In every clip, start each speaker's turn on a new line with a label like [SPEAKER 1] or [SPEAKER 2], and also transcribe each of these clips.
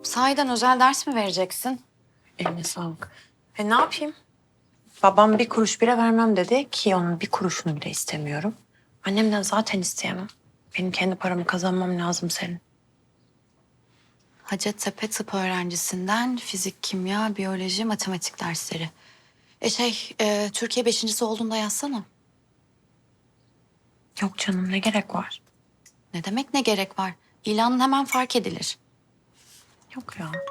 [SPEAKER 1] Sahiden özel ders mi vereceksin?
[SPEAKER 2] Eline sağlık. Ne yapayım? Babam bir kuruş bile vermem dedi ki onun bir kuruşunu bile istemiyorum. Annemden zaten isteyemem. Benim kendi paramı kazanmam lazım senin.
[SPEAKER 1] Hacettepe tıp öğrencisinden fizik, kimya, biyoloji, matematik dersleri. Türkiye beşincisi olduğunda yazsana.
[SPEAKER 2] Yok canım ne gerek var?
[SPEAKER 1] Ne demek ne gerek var? İlanın hemen fark edilir.
[SPEAKER 2] Yok ya.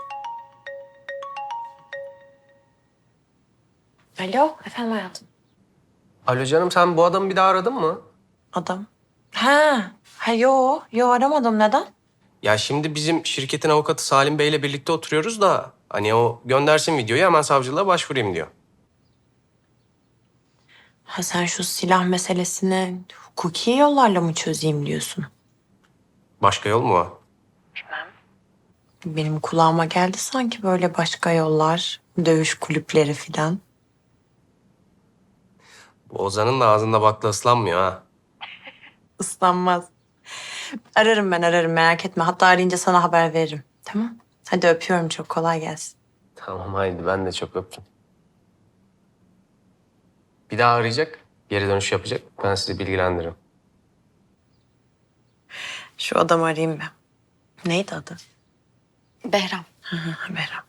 [SPEAKER 2] Alo efendim hayatım.
[SPEAKER 3] Alo canım, sen bu adamı bir daha aradın mı?
[SPEAKER 2] Adam. Yo aramadım neden?
[SPEAKER 3] Ya şimdi bizim şirketin avukatı Salim Bey'le birlikte oturuyoruz da hani o göndersin videoyu, hemen savcılığa başvurayım diyor.
[SPEAKER 2] Ha sen şu silah meselesini hukuki yollarla mı çözeyim diyorsun?
[SPEAKER 3] Başka yol mu var?
[SPEAKER 2] Benim kulağıma geldi sanki böyle başka yollar, dövüş kulüpleri filan.
[SPEAKER 3] Bu Ozan'ın da ağzında bakla ıslanmıyor ha.
[SPEAKER 2] Islanmaz. Ararım merak etme. Hatta arayınca sana haber veririm. Tamam. Hadi öpüyorum çok kolay gelsin.
[SPEAKER 3] Tamam haydi, ben de çok öptüm. Bir daha arayacak, geri dönüş yapacak. Ben sizi bilgilendiririm.
[SPEAKER 2] Şu adamı arayayım ben. Neydi adı?
[SPEAKER 1] Behram.
[SPEAKER 2] Behram.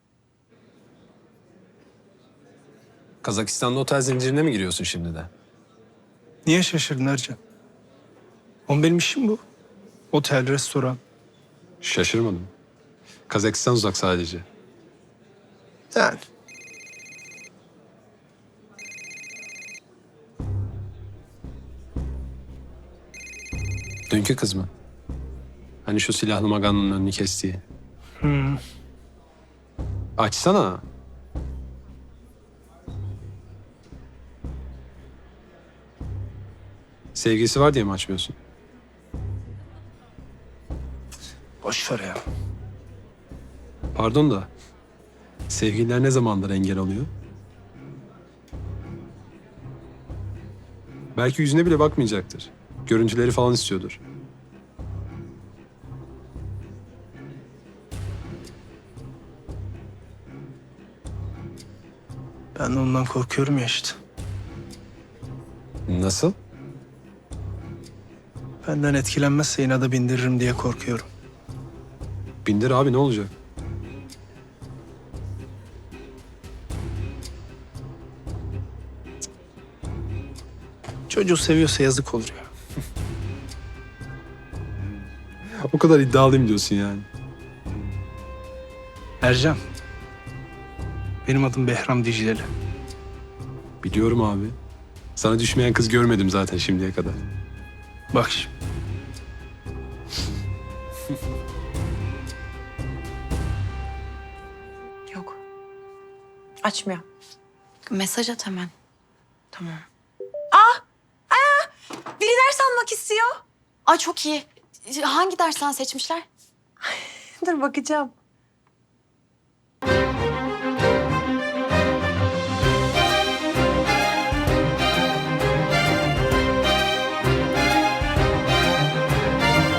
[SPEAKER 4] Kazakistan'da otel zincirine mi giriyorsun şimdi de?
[SPEAKER 5] Niye şaşırdın Ercan? Oğlum benim işim bu. Otel, restoran.
[SPEAKER 4] Şaşırmadım. Kazakistan uzak sadece.
[SPEAKER 5] Yani.
[SPEAKER 4] Dünkü kız mı? Hani şu silahlı maganın önünü kestiği. Açsana. Sevgilisi var diye mi açmıyorsun?
[SPEAKER 5] Boş ver ya.
[SPEAKER 4] Pardon da sevgililer ne zamandır engel oluyor? Belki yüzüne bile bakmayacaktır. Görüntüleri falan istiyordur.
[SPEAKER 5] Ben de ondan korkuyorum ya işte.
[SPEAKER 4] Nasıl?
[SPEAKER 5] Benden etkilenmezse inada bindiririm diye korkuyorum.
[SPEAKER 4] Bindir abi, ne olacak?
[SPEAKER 5] Çocuğu seviyorsa yazık olur ya.
[SPEAKER 4] O kadar iddialıyım diyorsun yani.
[SPEAKER 5] Ercan. Benim adım Behram Dicleli.
[SPEAKER 4] Biliyorum abi. Sana düşmeyen kız görmedim zaten şimdiye kadar.
[SPEAKER 5] Bak şimdi.
[SPEAKER 2] Yok. Açmıyor.
[SPEAKER 1] Mesaj at hemen.
[SPEAKER 2] Tamam. Biri ders almak istiyor.
[SPEAKER 1] Ay çok iyi. Hangi dersten seçmişler?
[SPEAKER 2] Dur bakacağım.